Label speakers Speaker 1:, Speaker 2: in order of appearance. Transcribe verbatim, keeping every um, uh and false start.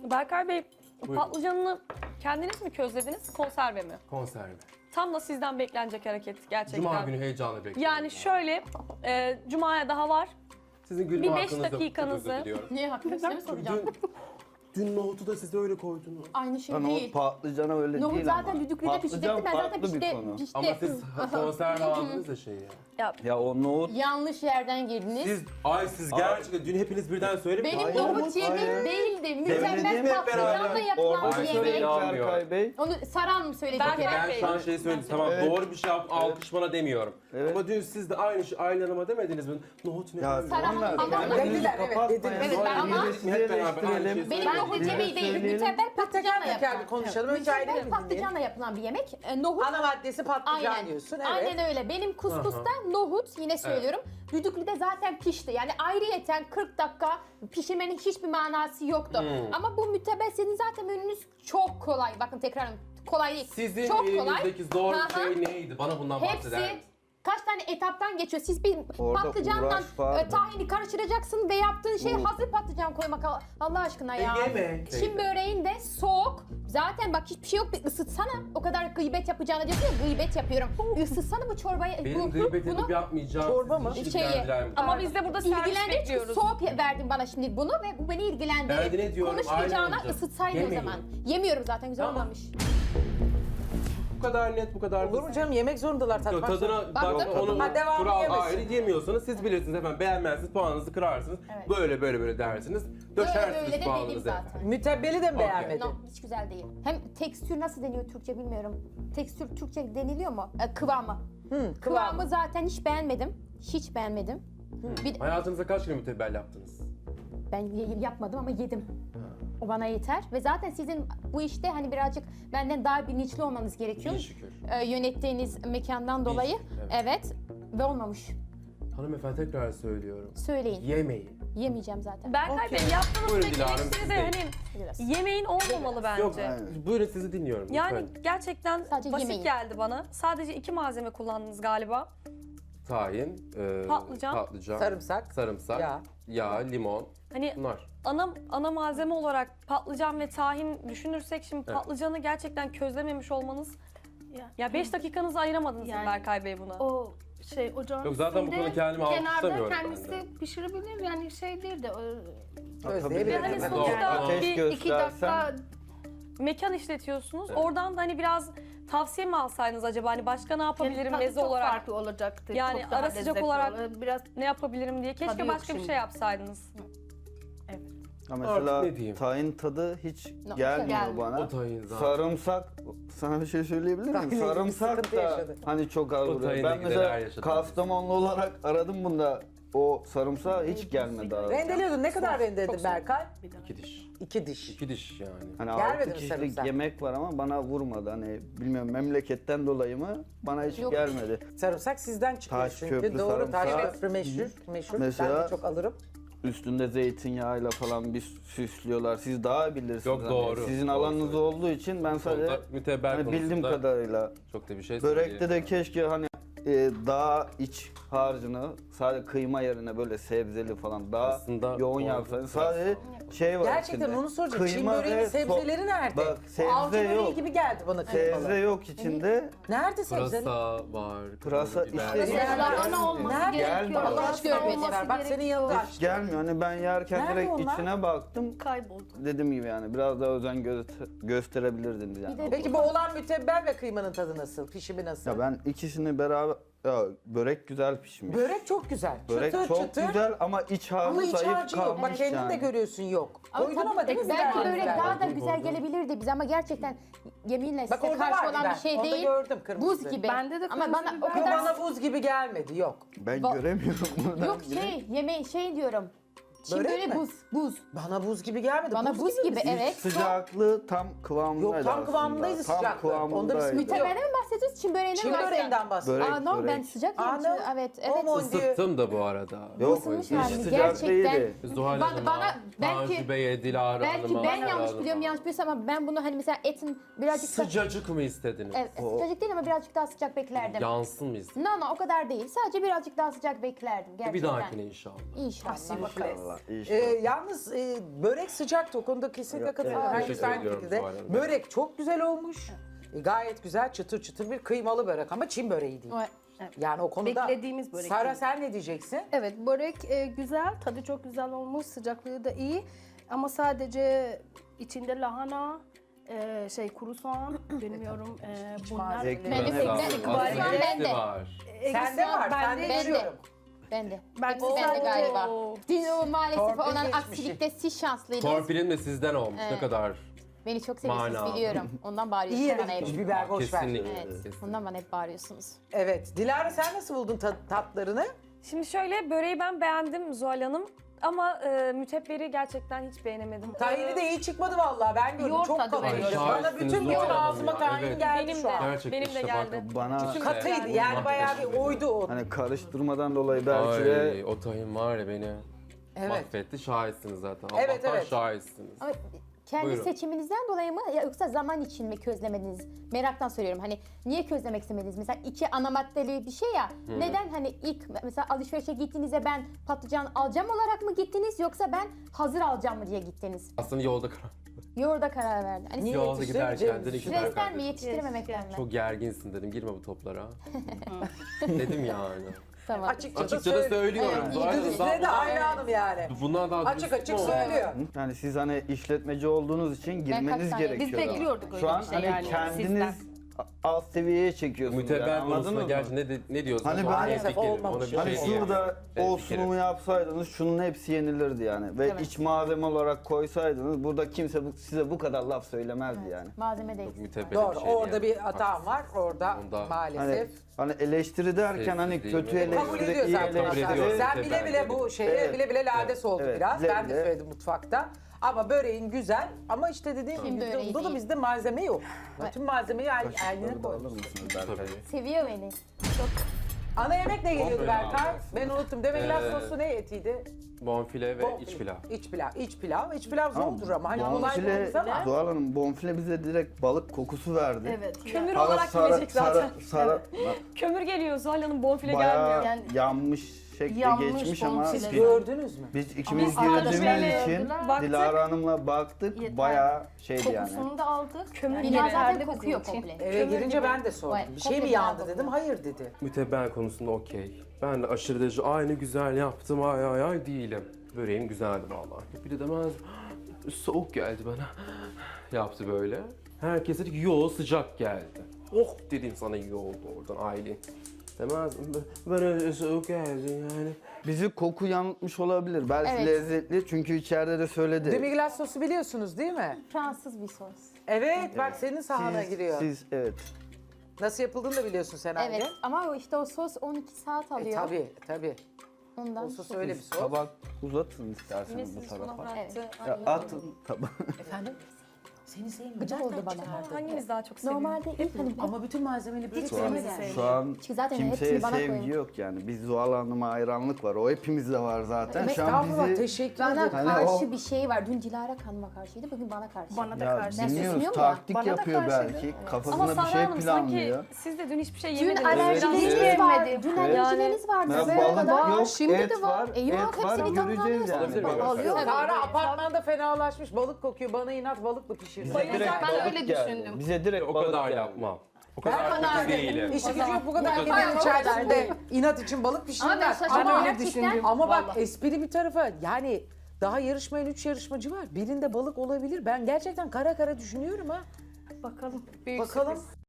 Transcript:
Speaker 1: Berkay Bey, patlıcanını kendiniz mi közlediniz, konserve mi?
Speaker 2: Konserve.
Speaker 1: Tam da sizden beklenecek hareket gerçekten.
Speaker 2: Cuma günü heyecanla bekliyorum.
Speaker 1: Yani şöyle, e, Cuma'ya daha var.
Speaker 2: Sizin gülme
Speaker 1: bir beş
Speaker 2: hakkınızda
Speaker 1: dakikanızı-
Speaker 2: çok özür diliyorum.
Speaker 3: Niye hakkında size mi soracağım?
Speaker 2: Dün, dün nohutu da size öyle koydunuz.
Speaker 3: Aynı şey
Speaker 4: Lan o
Speaker 3: değil.
Speaker 4: patlıcana öyle
Speaker 3: Nohut
Speaker 4: değil
Speaker 3: zaten
Speaker 4: ama.
Speaker 3: düdüklüde pişecekti. Ben zaten
Speaker 4: farklı bir
Speaker 3: pişti.
Speaker 4: konu.
Speaker 3: pişti.
Speaker 2: Ama siz konserve aldınız da şeyi.
Speaker 1: Ya,
Speaker 4: Ya o nohut
Speaker 3: Yanlış yerden girdiniz.
Speaker 2: Siz, ay siz gerçekten dün hepiniz birden söylemeyin.
Speaker 3: Benim
Speaker 4: Hayır,
Speaker 3: nohut yemek
Speaker 4: hayır.
Speaker 3: değildi.
Speaker 4: Söyledim
Speaker 3: Mükemmel
Speaker 4: hep
Speaker 3: patlıcanla
Speaker 2: beraber.
Speaker 3: yapılan
Speaker 4: orada
Speaker 3: bir
Speaker 2: Ay,
Speaker 3: yemek.
Speaker 4: söyledik
Speaker 2: inanmıyorum.
Speaker 4: Berkay Bey.
Speaker 3: Onu Saran mı söyledi?
Speaker 1: Ben-
Speaker 3: bir kere?
Speaker 1: ben-
Speaker 2: Ben şu an şey söyleyeyim, tamam
Speaker 4: Evet.
Speaker 2: doğru bir şey yap, alkış bana demiyorum.
Speaker 4: Evet.
Speaker 2: Ama dün siz de aynı şey, Aylin Hanım'a demediniz mi? Nohut ne?
Speaker 4: Ya
Speaker 3: Saran
Speaker 4: onlar
Speaker 3: ama-
Speaker 4: kendinizi
Speaker 5: Dediler, evet,
Speaker 4: kapatmayın.
Speaker 5: dediler.
Speaker 3: Evet, ben ama-
Speaker 4: Biz de sizi
Speaker 2: Hep beraber aynı
Speaker 4: eleştirelim.
Speaker 2: şeyi
Speaker 3: Benim
Speaker 2: söyledik.
Speaker 3: nohut yemeği değil.
Speaker 4: Söyleyelim.
Speaker 3: Mütebbel patlıcanla
Speaker 5: Teker teker
Speaker 3: yapılan.
Speaker 5: konuşalım. Önce Aylin
Speaker 3: Mütebbel
Speaker 5: mi dinleyelim?
Speaker 3: patlıcanla yapılan bir yemek. E, Nohut
Speaker 5: Ana maddesi patlıcan
Speaker 3: Aynen.
Speaker 5: diyorsun. Evet.
Speaker 3: Aynen öyle. Benim kuskusta nohut yine söylüyorum. Düdüklüde zaten pişti. Yani ayrıyeten kırk dakika pişirmenin hiçbir manası yoktu.
Speaker 2: Hmm.
Speaker 3: Ama bu mütebbel sizin zaten menünüz çok kolay. Bakın tekrar kolay değil.
Speaker 2: Sizin
Speaker 3: çok kolay.
Speaker 2: elinizdeki zor
Speaker 3: Aha.
Speaker 2: şey neydi? Bana bundan bahseder
Speaker 3: Hepsi
Speaker 2: misiniz?
Speaker 3: kaç tane etaptan geçiyor. Siz bir
Speaker 4: Orada
Speaker 3: patlıcandan
Speaker 4: uğraş vardı.
Speaker 3: e, tahini karıştıracaksın ve yaptığın şey
Speaker 4: Oo.
Speaker 3: hazır patlıcan koymak Allah- Allah aşkına ya.
Speaker 2: E, yemek.
Speaker 3: Çin böreğinde soğuk. Zaten bak hiçbir şey yok. Bir ısıtsana. O kadar gıybet yapacağına diyorsun ya gıybet yapıyorum. Isıtsana bu çorbayı.
Speaker 2: Benim
Speaker 3: bu,
Speaker 2: gıybet
Speaker 3: bunu
Speaker 2: edip yapmayacağım.
Speaker 5: Çorba
Speaker 2: sizi
Speaker 5: mı?
Speaker 2: hiç
Speaker 3: Şeyi-
Speaker 2: ilgilendiren-
Speaker 1: ama biz de burada servis
Speaker 3: ilgilendiği için
Speaker 1: bekliyoruz.
Speaker 3: soğuk verdin bana şimdi bunu ve bu beni ilgilendirir.
Speaker 2: Verdi ne diyorum,
Speaker 3: Konuşmayacağına
Speaker 2: aynen hocam.
Speaker 3: ısıtsaydın o
Speaker 2: Yemeyin.
Speaker 3: zaman. Yemiyorum zaten güzel
Speaker 2: Tamam.
Speaker 3: olmamış.
Speaker 2: Bu kadar net, bu kadar
Speaker 5: Olur mu canım? Yemek zorundalar
Speaker 2: Yok,
Speaker 5: tatmak.
Speaker 2: tadına
Speaker 3: Baktım.
Speaker 2: bak, onun
Speaker 5: Ha, devamı
Speaker 2: kural
Speaker 5: yemesin.
Speaker 2: ayrı yemiyorsanız siz bilirsiniz efendim, beğenmezsiniz, puanınızı kırarsınız.
Speaker 3: Evet.
Speaker 2: Böyle böyle böyle dersiniz.
Speaker 3: Böyle böyle
Speaker 2: Döşersiniz
Speaker 3: de dedim
Speaker 2: puanınızı
Speaker 3: zaten.
Speaker 2: efendim.
Speaker 5: Mütebbeli de mi
Speaker 2: Okey.
Speaker 5: beğenmedin?
Speaker 3: No, hiç güzel değil. Hem tekstür nasıl deniyor Türkçe bilmiyorum. Tekstür Türkçe deniliyor mu? E, kıvamı.
Speaker 5: Hı,
Speaker 3: Kıvamı zaten hiç beğenmedim. Hiç beğenmedim. Bir,
Speaker 2: Hayatınızda kaç kilo mütebbel yaptınız?
Speaker 3: ben ye- yapmadım ama yedim. O bana yeter ve zaten sizin bu işte hani birazcık benden daha bilinçli olmanız gerekiyor.
Speaker 2: İyi şükür.
Speaker 3: Ee, yönettiğiniz mekandan dolayı.
Speaker 2: şükür,
Speaker 3: Evet. Ve olmamış.
Speaker 2: Hanımefendi tekrar söylüyorum.
Speaker 3: Söyleyin.
Speaker 2: Yemeyin.
Speaker 3: Yemeyeceğim zaten.
Speaker 1: Berkay Bey, yaptığınız
Speaker 2: Buyurun
Speaker 1: tek
Speaker 2: Dilara Hanım,
Speaker 1: eleştiri de
Speaker 2: sizdeyim.
Speaker 1: hani
Speaker 3: Biraz.
Speaker 1: yemeğin olmamalı bence.
Speaker 2: Yok, buyurun sizi dinliyorum.
Speaker 1: Yani
Speaker 2: lütfen.
Speaker 1: gerçekten
Speaker 3: Sadece
Speaker 1: basit
Speaker 3: yemeğin.
Speaker 1: geldi bana. Sadece iki malzeme kullandınız galiba.
Speaker 2: Tahin, e,
Speaker 1: Patlıcan.
Speaker 2: patlıcan,
Speaker 5: Sarımsak.
Speaker 2: sarımsak,
Speaker 5: Yağ.
Speaker 2: yağ, limon,
Speaker 1: Hani
Speaker 2: bunlar.
Speaker 1: ana ana malzeme olarak patlıcan ve tahin düşünürsek şimdi
Speaker 2: Evet.
Speaker 1: patlıcanı gerçekten közlememiş olmanız
Speaker 6: Ya,
Speaker 1: ya beş dakikanızı ayıramadınız
Speaker 6: Yani-
Speaker 1: Berkay Bey buna.
Speaker 6: o şey ocağın
Speaker 2: Yok, zaten bu
Speaker 6: üstünde
Speaker 2: konu kendimi alkışlamıyorum
Speaker 6: kenarda
Speaker 2: ben
Speaker 6: kendisi
Speaker 2: de.
Speaker 6: pişirebilir yani şey değil de o,
Speaker 5: Özleyebilir.
Speaker 1: Ve hani
Speaker 5: Evet.
Speaker 1: sonuçta
Speaker 4: Ateş
Speaker 1: bir
Speaker 6: iki dakika
Speaker 4: göstersen.
Speaker 1: mekan işletiyorsunuz. Oradan da hani biraz tavsiye mi alsaydınız acaba? Hani başka ne yapabilirim
Speaker 6: tadı
Speaker 1: meze
Speaker 6: çok
Speaker 1: olarak?
Speaker 6: farklı olacaktı.
Speaker 1: Yani
Speaker 6: çok daha
Speaker 1: ara sıcak
Speaker 6: lezzetli
Speaker 1: olarak-
Speaker 6: olur. biraz
Speaker 1: Ne yapabilirim diye.
Speaker 6: Tadı
Speaker 1: Keşke
Speaker 6: yok
Speaker 1: başka bir
Speaker 6: şimdi.
Speaker 1: şey yapsaydınız.
Speaker 4: Ya mesela
Speaker 2: Artık ne diyeyim?
Speaker 4: tahin tadı hiç
Speaker 3: No,
Speaker 4: gelmiyor
Speaker 3: gelmiyor.
Speaker 4: bana.
Speaker 2: O tahin zaten.
Speaker 4: Sarımsak, sana bir şey söyleyebilir
Speaker 5: Tahinle
Speaker 4: miyim?
Speaker 5: ilgili
Speaker 4: Sarımsak
Speaker 5: sıkıntı
Speaker 4: da
Speaker 5: yaşadı.
Speaker 4: hani çok ağır
Speaker 2: O
Speaker 4: vuruyor.
Speaker 2: tahinle
Speaker 4: Ben
Speaker 2: neler
Speaker 4: mesela
Speaker 2: yaşadım
Speaker 4: Kastamonlu olarak aradım bunda. O sarımsağı hiç gelmedi abi.
Speaker 5: Rendeliyordun. Ne kadar rendeledin Berkay?
Speaker 2: İki diş.
Speaker 5: İki diş.
Speaker 2: İki diş yani.
Speaker 4: Hani
Speaker 5: Gelmedi
Speaker 4: altı
Speaker 5: mi
Speaker 4: kişilik
Speaker 5: sarımsak?
Speaker 4: yemek var ama bana vurmadı. Hani bilmiyorum memleketten dolayı mı bana hiç
Speaker 3: Yok.
Speaker 4: gelmedi.
Speaker 5: Sarımsak sizden çıkıyor
Speaker 4: Taş
Speaker 5: çünkü.
Speaker 4: köprü
Speaker 5: Doğru. Taş
Speaker 4: sarımsağı.
Speaker 5: köprü meşhur. Meşhur. Ben
Speaker 4: Mesela-
Speaker 5: de çok alırım.
Speaker 4: Üstünde zeytinyağıyla falan bir süslüyorlar. Siz daha bilirsiniz.
Speaker 2: Yok,
Speaker 4: hani.
Speaker 2: doğru.
Speaker 4: Sizin
Speaker 2: Doğru
Speaker 4: alanınız
Speaker 2: söylüyorsun.
Speaker 4: olduğu için ben sadece
Speaker 2: Konuda mütebbel
Speaker 4: hani bildiğim
Speaker 2: konusunda
Speaker 4: kadarıyla
Speaker 2: çok da bir şey
Speaker 4: börekte de
Speaker 2: söyleyeyim.
Speaker 4: keşke hani e, daha iç harcını sadece kıyma yerine böyle sebzeli falan daha
Speaker 2: Aslında
Speaker 4: yoğun
Speaker 2: doğru.
Speaker 4: yapsaydın. Sadece şey var
Speaker 5: Gerçekten
Speaker 4: içinde.
Speaker 5: onu soracağım. Çin
Speaker 4: Kıyma
Speaker 5: böreğinin
Speaker 4: ve so-
Speaker 5: sebzeleri nerede?
Speaker 4: Bak, sebze
Speaker 5: Avcı böreği
Speaker 4: yok.
Speaker 5: gibi geldi bana kıymalı.
Speaker 4: Sebze yok içinde.
Speaker 5: Nerede sebze?
Speaker 2: Pırasa var.
Speaker 4: Pırasa
Speaker 2: kırmızı biber
Speaker 4: işte-
Speaker 2: var.
Speaker 3: Mesela
Speaker 6: Mesela ana olması
Speaker 5: Nerede?
Speaker 6: gerekiyor.
Speaker 4: Geldi.
Speaker 5: Allah
Speaker 3: Hiç
Speaker 5: aşkına
Speaker 3: görmedim.
Speaker 5: olması ver. Bak senin yanında
Speaker 4: Hiç gelmiyor. Hani ben yerken
Speaker 5: Nerede
Speaker 4: direkt
Speaker 5: onlar?
Speaker 4: içine baktım.
Speaker 6: Kayboldu.
Speaker 4: Dediğim gibi yani biraz daha özen gö- gösterebilirdiniz yani.
Speaker 3: Bir de-
Speaker 5: Peki bu olan mütebbel ve kıymanın tadı nasıl? Pişimi nasıl?
Speaker 4: Ya ben ikisini beraber ya börek güzel pişmiş.
Speaker 5: Börek çok güzel.
Speaker 4: Börek
Speaker 5: çıtır
Speaker 4: çok
Speaker 5: çıtır.
Speaker 4: güzel ama iç harcı
Speaker 5: Ama iç
Speaker 4: zayıf
Speaker 5: harcı yok.
Speaker 4: kalmış
Speaker 5: Bak kendin
Speaker 4: yani.
Speaker 5: de görüyorsun yok.
Speaker 3: Ama
Speaker 5: Koydun
Speaker 3: tabii
Speaker 5: ama değil mi?
Speaker 3: belki
Speaker 5: biber
Speaker 3: börek
Speaker 5: biber?
Speaker 3: daha da
Speaker 2: Koydum,
Speaker 3: güzel
Speaker 2: koydum.
Speaker 3: gelebilirdi bize ama gerçekten yeminle
Speaker 5: Bak
Speaker 3: size
Speaker 5: orada
Speaker 3: karşı
Speaker 5: var
Speaker 3: olan
Speaker 5: biber.
Speaker 3: bir şey
Speaker 5: Onu da
Speaker 3: değil.
Speaker 5: gördüm, kırmızı.
Speaker 3: Buz gibi.
Speaker 6: Bende de
Speaker 3: ama
Speaker 6: kırmızı
Speaker 3: bana o
Speaker 6: biber
Speaker 5: Yo,
Speaker 3: kadar
Speaker 5: bana buz gibi gelmedi yok.
Speaker 4: Ben
Speaker 3: Va-
Speaker 4: göremiyorum buradan.
Speaker 3: yok şey yemeği şey diyorum. Çin
Speaker 5: Börek
Speaker 3: böyle
Speaker 5: mi?
Speaker 3: buz buz.
Speaker 5: Bana buz gibi gelmedi.
Speaker 3: Bana buz gibi
Speaker 5: mi?
Speaker 3: evet.
Speaker 4: Sıcaklığı tam kıvamındaydı
Speaker 5: Yok, tam
Speaker 4: aslında.
Speaker 5: kıvamındaydı
Speaker 4: Tam
Speaker 5: sıcaklığı. Onda bir
Speaker 4: kıvamındaydı.
Speaker 5: sıkıntı yok.
Speaker 3: Müteberden mi bahsediyoruz? Çin böreğinden
Speaker 5: Çin
Speaker 3: mi bahsediyoruz?
Speaker 5: böreğinden bahsediyorum.
Speaker 4: Börek,
Speaker 3: Aa no ben
Speaker 4: börek.
Speaker 3: sıcak
Speaker 5: Aa,
Speaker 3: yemişim.
Speaker 5: no.
Speaker 3: Evet
Speaker 5: O
Speaker 3: evet.
Speaker 5: mon-
Speaker 2: Isıttım da bu arada.
Speaker 4: Yok,
Speaker 3: Isınmış
Speaker 4: hiç
Speaker 3: halini
Speaker 4: sıcak
Speaker 3: gerçekten.
Speaker 4: değildi.
Speaker 2: Zuhal
Speaker 3: Bana-
Speaker 2: Hanım'a,
Speaker 3: bana belki-
Speaker 2: Tanju Bey'e, Dilara
Speaker 3: Belki
Speaker 2: Hanım'a.
Speaker 3: ben
Speaker 2: Dilara
Speaker 3: yanlış
Speaker 2: Hanım'a.
Speaker 3: biliyorum yanlış biliyorsam ama ben bunu hani mesela etin birazcık da
Speaker 2: Sıcacık mı istediniz?
Speaker 3: evet, sıcacık değil ama birazcık daha sıcak beklerdim.
Speaker 2: Yansın mı istediniz?
Speaker 3: No no o kadar değil. Sadece birazcık daha sıcak beklerdim gerçekten.
Speaker 2: Bir dahakine inşallah.
Speaker 3: İnşallah bakalım.
Speaker 4: İnşallah.
Speaker 5: Ee, yalnız e, börek sıcaktı. O konuda kesinlikle
Speaker 4: Evet,
Speaker 5: katılıyorum.
Speaker 2: evet.
Speaker 5: Herkes
Speaker 2: Teşekkür
Speaker 5: aynı
Speaker 2: ediyorum
Speaker 5: fikirde.
Speaker 2: Zuhal Hanım.
Speaker 5: Börek çok güzel olmuş. E, gayet güzel çıtır çıtır bir kıymalı börek ama Çin böreği değil.
Speaker 3: Evet.
Speaker 5: Yani o konuda...
Speaker 6: Beklediğimiz börek
Speaker 5: Sara
Speaker 6: değil.
Speaker 5: sen ne diyeceksin?
Speaker 6: Evet, börek e, güzel, tadı çok güzel olmuş, sıcaklığı da iyi. Ama sadece içinde lahana, e, şey kuru soğan, bilmiyorum e, bunlar.
Speaker 5: malzemeleri.
Speaker 3: Ben de
Speaker 4: Evet.
Speaker 3: ben de
Speaker 2: Aslında
Speaker 3: kıvırcık
Speaker 2: hepsi
Speaker 3: bende.
Speaker 2: var.
Speaker 6: E,
Speaker 5: Sende var,
Speaker 6: ben
Speaker 5: ben
Speaker 6: de-
Speaker 5: de görüyorum.
Speaker 3: Bende.
Speaker 6: Ben
Speaker 3: Hepsi
Speaker 6: de
Speaker 3: bende
Speaker 6: sadece-
Speaker 3: galiba. Dün o maalesef
Speaker 5: Torpil
Speaker 3: olan
Speaker 5: geçmişi.
Speaker 3: aksilikte siz şanslıydınız.
Speaker 2: Torpilim de sizden olmuş. Ne
Speaker 3: Evet.
Speaker 2: kadar
Speaker 3: Beni çok seviyorsunuz
Speaker 2: Mana.
Speaker 3: biliyorum. Ondan bağırıyorsunuz
Speaker 5: İyi
Speaker 3: bana
Speaker 5: yemek
Speaker 3: hep.
Speaker 5: biber boş ver.
Speaker 2: kesinlikle.
Speaker 3: Evet.
Speaker 2: kesinlikle.
Speaker 3: Ondan bana hep bağırıyorsunuz.
Speaker 5: Evet. Dilara sen nasıl buldun ta- tatlarını?
Speaker 1: Şimdi şöyle böreği ben beğendim Zuhal Hanım. Ama e, mütebberi gerçekten hiç beğenemedim.
Speaker 5: Tahini de iyi çıkmadı vallahi ben gördüm.
Speaker 3: Yoğurt
Speaker 5: Çok
Speaker 3: tadı
Speaker 5: kalın.
Speaker 3: veriyor.
Speaker 5: böyle. Bana
Speaker 2: Şahitsiniz
Speaker 5: bütün bütün
Speaker 2: Zuhal Hanım
Speaker 5: ağzıma
Speaker 2: ya,
Speaker 5: tahin
Speaker 2: evet.
Speaker 5: geldi
Speaker 1: Benim
Speaker 5: şu
Speaker 1: de.
Speaker 5: an.
Speaker 2: Gerçekten
Speaker 1: Benim de
Speaker 2: işte
Speaker 1: geldi.
Speaker 2: bak,
Speaker 4: Bana
Speaker 1: Bütün-
Speaker 5: Katıydı
Speaker 1: Evet.
Speaker 5: yani bayağı bir oydu o.
Speaker 4: hani karıştırmadan dolayı belki de
Speaker 2: Ay o tahin var ya beni
Speaker 5: Evet.
Speaker 2: mahvetti. Şahitsiniz zaten.
Speaker 5: Evet,
Speaker 2: Allah'tan
Speaker 5: evet.
Speaker 2: şahitsiniz.
Speaker 3: Ama kendi
Speaker 2: Buyurun.
Speaker 3: seçiminizden dolayı mı ya yoksa zaman için mi közlemediniz? Meraktan soruyorum. Hani niye közlemek istemediniz? Mesela iki ana maddeli bir şey ya. Neden hani ilk mesela alışverişe gittiğinizde ben patlıcan alacağım olarak mı gittiniz yoksa ben hazır alacağım mı diye gittiniz?
Speaker 2: Aslında yolda karar.
Speaker 3: Yoğurda karar verdin. Hani
Speaker 5: Niye
Speaker 2: Yolda
Speaker 5: yetiştiremediniz?
Speaker 2: giderken dedim ki
Speaker 3: stresten mi
Speaker 2: Berkay,
Speaker 3: yetiştirememekten mi?
Speaker 2: çok gerginsin dedim. Girme bu toplara. dedim yani.
Speaker 3: Tamam.
Speaker 5: Açıkça,
Speaker 2: Açıkça da
Speaker 5: söyle-
Speaker 2: söylüyorum.
Speaker 3: Evet,
Speaker 2: Bu arada
Speaker 5: Dürüstlüğe
Speaker 2: daha
Speaker 5: de
Speaker 2: bundan-
Speaker 5: hayranım yani.
Speaker 2: Bundan daha
Speaker 5: Açık
Speaker 2: dürüst
Speaker 5: açık
Speaker 2: mü olur?
Speaker 5: söylüyor.
Speaker 4: yani siz hani işletmeci olduğunuz için girmeniz
Speaker 3: kaptan-
Speaker 4: gerekiyor.
Speaker 6: Biz bekliyorduk öyle
Speaker 4: Şu an
Speaker 6: bir şey
Speaker 4: hani
Speaker 6: yani
Speaker 4: kendiniz alt seviyeye çekiyorsunuz.
Speaker 2: Müteber
Speaker 4: yani,
Speaker 2: konusunda
Speaker 4: anladınız mı?
Speaker 2: gerçi ne, de- ne diyorsunuz?
Speaker 4: Hani
Speaker 2: Ona
Speaker 4: ben-
Speaker 2: hemfikirim,
Speaker 5: Maalesef
Speaker 2: ona
Speaker 5: olmamış.
Speaker 2: bir
Speaker 4: Hani
Speaker 2: şey
Speaker 4: şurada
Speaker 2: diyemem.
Speaker 4: o
Speaker 2: Hemfikirim.
Speaker 4: sunumu yapsaydınız şunun hepsi yenilirdi yani. Ve
Speaker 3: Evet.
Speaker 4: iç malzeme olarak koysaydınız burada kimse bu, size bu kadar laf söylemezdi yani.
Speaker 3: Malzeme değil.
Speaker 2: Çok mütebbir
Speaker 5: Doğru
Speaker 2: bir şey
Speaker 5: orada
Speaker 2: yani.
Speaker 5: bir hatam
Speaker 2: Haklısın.
Speaker 5: var orada
Speaker 2: Onda-
Speaker 4: Hani,
Speaker 5: maalesef.
Speaker 4: hani eleştiri derken hani
Speaker 2: Sessizliğimi
Speaker 4: kötü
Speaker 2: kabul
Speaker 5: Kabul
Speaker 4: eleştiri,
Speaker 5: ediyor
Speaker 4: iyi
Speaker 5: zaten.
Speaker 2: Kabul
Speaker 5: Hasan.
Speaker 2: ediyorum.
Speaker 5: Sen
Speaker 2: Tabii,
Speaker 5: bile bile
Speaker 2: ben
Speaker 5: bu
Speaker 2: de.
Speaker 5: şeye
Speaker 4: Evet.
Speaker 5: bile bile lades oldu
Speaker 4: Evet,
Speaker 5: biraz.
Speaker 4: bile
Speaker 5: Ben de
Speaker 4: bile.
Speaker 5: söyledim mutfakta. Ama böreğin güzel ama işte dediğim
Speaker 3: Şimdi
Speaker 5: gibi
Speaker 3: öyle
Speaker 5: bizde, onda da
Speaker 3: değil.
Speaker 5: bizde malzeme yok. Bütün malzemeyi el, eline
Speaker 4: Kaşıkları da alır
Speaker 5: koymuş.
Speaker 4: mısınız Berkay Bey?
Speaker 3: Seviyor beni.
Speaker 5: Ana yemek ne geliyordu
Speaker 2: Komple
Speaker 5: Berkay?
Speaker 2: aldım.
Speaker 5: Ben unuttum. Demeler
Speaker 2: Ee,
Speaker 5: sosu ne etiydi?
Speaker 2: Bonfile ve
Speaker 5: Bonfile.
Speaker 2: iç pilav.
Speaker 5: İç pilav. İç pilav. İç pilav zordur ama. Hani kolay
Speaker 4: bonfile,
Speaker 5: olmaz ama.
Speaker 4: Doğal Hanım bonfile bize direkt balık kokusu verdi.
Speaker 6: Evet.
Speaker 1: Kömür
Speaker 4: Hala
Speaker 1: olarak
Speaker 4: sara-
Speaker 1: gelecek zaten.
Speaker 4: sara- sara-
Speaker 1: Kömür geliyor Zuhal Hanım, bonfile
Speaker 4: bayağı
Speaker 1: gelmiyor.
Speaker 6: Yani-
Speaker 4: yanmış şekli
Speaker 6: Yanmış
Speaker 4: geçmiş ama
Speaker 6: bonfile.
Speaker 5: Siz
Speaker 4: biz,
Speaker 5: gördünüz mü?
Speaker 4: biz ikimiz
Speaker 6: Ama
Speaker 4: girdiğimiz
Speaker 6: arkadaşlar
Speaker 4: için
Speaker 6: gördüler.
Speaker 1: Baktık.
Speaker 4: Dilara Hanım'la baktık
Speaker 6: Yeter.
Speaker 4: bayağı şeydi yani.
Speaker 6: Kokusunu da aldık.
Speaker 1: Kömür
Speaker 6: Yani
Speaker 3: Bina
Speaker 1: gibi.
Speaker 3: zaten
Speaker 6: yeterli
Speaker 3: kokuyor
Speaker 6: bizim için.
Speaker 3: komple.
Speaker 5: Eve
Speaker 1: Kömür
Speaker 5: girince
Speaker 1: gibi.
Speaker 5: ben de sordum.
Speaker 3: Vay,
Speaker 5: Bir şey mi
Speaker 3: komple
Speaker 5: yandı
Speaker 3: yağ
Speaker 5: dedim. Hayır dedi.
Speaker 2: Müteber konusunda okey. Ben de aşırı derece aynı güzel yaptım ay ay ay değilim. Böreğim güzeldi vallahi. Biri demez soğuk geldi bana. Yaptı böyle. Herkes dedi ki yo sıcak geldi. Oh dedim sana iyi oldu oradan Aylin. Demez bana öyle soğuk geldi yani.
Speaker 4: Bizi koku yanıltmış olabilir. Belki
Speaker 3: Evet.
Speaker 4: lezzetli çünkü içeride de söyledi.
Speaker 5: Demi-glace sosu biliyorsunuz değil mi?
Speaker 3: Fransız bir sos.
Speaker 5: Evet, bak senin sahana
Speaker 4: siz,
Speaker 5: giriyor.
Speaker 4: Siz evet.
Speaker 5: Nasıl yapıldığını da biliyorsun sen anne.
Speaker 3: Evet ama o işte o sos on iki saat
Speaker 5: E,
Speaker 3: alıyor.
Speaker 5: tabii tabii.
Speaker 3: Ondan
Speaker 5: O sos öyle bir sos.
Speaker 4: Tabak uzatın
Speaker 1: Yine
Speaker 4: isterseniz bu
Speaker 1: siz bana
Speaker 4: tarafa.
Speaker 1: bıraktı.
Speaker 4: Ya
Speaker 1: Aynen.
Speaker 4: atın tabağı.
Speaker 5: Efendim? Seni sevmiyorum.
Speaker 3: Gıcık oldu bana.
Speaker 1: Hanginiz daha çok seviyor?
Speaker 3: Normalde ilk hani
Speaker 5: Ama bütün malzemeleri böyle
Speaker 3: Hiç
Speaker 4: Şu an,
Speaker 3: sevmedi.
Speaker 4: şu an
Speaker 3: Çünkü zaten
Speaker 4: kimseye
Speaker 3: hepsini bana
Speaker 4: sevgi
Speaker 3: koyun.
Speaker 4: yok yani. Biz Zuhal Hanım'a hayranlık var. O hepimizde var zaten. Şu an
Speaker 5: Estağfurullah,
Speaker 4: bizi
Speaker 5: teşekkür
Speaker 3: bana
Speaker 5: ederim.
Speaker 4: Hani
Speaker 3: karşı
Speaker 4: o-
Speaker 3: bir şey var. Dün Dilara Hanım'a karşıydı, bugün bana karşı.
Speaker 6: Bana da
Speaker 4: ya
Speaker 6: karşı.
Speaker 3: Ben
Speaker 4: bilmiyoruz
Speaker 3: susmuyorum ya.
Speaker 4: taktik
Speaker 6: Bana da
Speaker 4: yapıyor
Speaker 6: karşıydı.
Speaker 4: belki.
Speaker 1: Ama
Speaker 4: Kafasında
Speaker 1: Sahra
Speaker 4: bir şey
Speaker 1: Hanım sanki
Speaker 4: planlıyor.
Speaker 1: siz de dün hiçbir şey
Speaker 3: Dün
Speaker 1: yemediniz.
Speaker 3: alerjileriniz
Speaker 6: Evet.
Speaker 3: var.
Speaker 6: Yemedim.
Speaker 3: Dün
Speaker 4: Evet.
Speaker 3: alerjileriniz vardı.
Speaker 4: Ya
Speaker 3: Size
Speaker 4: balık
Speaker 3: kadar.
Speaker 4: yok,
Speaker 3: Şimdi
Speaker 4: et
Speaker 3: de var. E yok,
Speaker 4: et var,
Speaker 3: hepsini
Speaker 4: göreceğiz
Speaker 3: tamamlıyoruz.
Speaker 4: yani.
Speaker 6: Alıyor.
Speaker 5: Sara apartmanda fenalaşmış. Balık kokuyor. Bana inat balıkla pişirsin.
Speaker 4: Bize direkt
Speaker 6: Ben
Speaker 4: balık
Speaker 6: öyle
Speaker 4: geldi.
Speaker 6: düşündüm.
Speaker 4: Bize direkt
Speaker 2: O
Speaker 4: balık
Speaker 2: kadar
Speaker 4: geldi.
Speaker 2: yapmam. O
Speaker 5: Ben
Speaker 2: kadar
Speaker 5: kadar
Speaker 2: kötü değilim.
Speaker 5: İşi gücü yok bu kadar
Speaker 6: O
Speaker 5: gidenin
Speaker 6: kadar.
Speaker 5: içerisinde inat için balık
Speaker 3: Ama
Speaker 5: pişirirler.
Speaker 3: ben şaşırdım.
Speaker 5: Ama,
Speaker 6: öyle
Speaker 3: Gerçekten
Speaker 6: düşündüm.
Speaker 5: ama bak
Speaker 6: Vallahi.
Speaker 5: espri bir tarafa yani daha yarışmayan üç yarışmacı var. Birinde balık olabilir. Ben gerçekten kara kara düşünüyorum ha.
Speaker 6: Bakalım.
Speaker 1: Büyük
Speaker 5: Bakalım.
Speaker 1: sürpriz.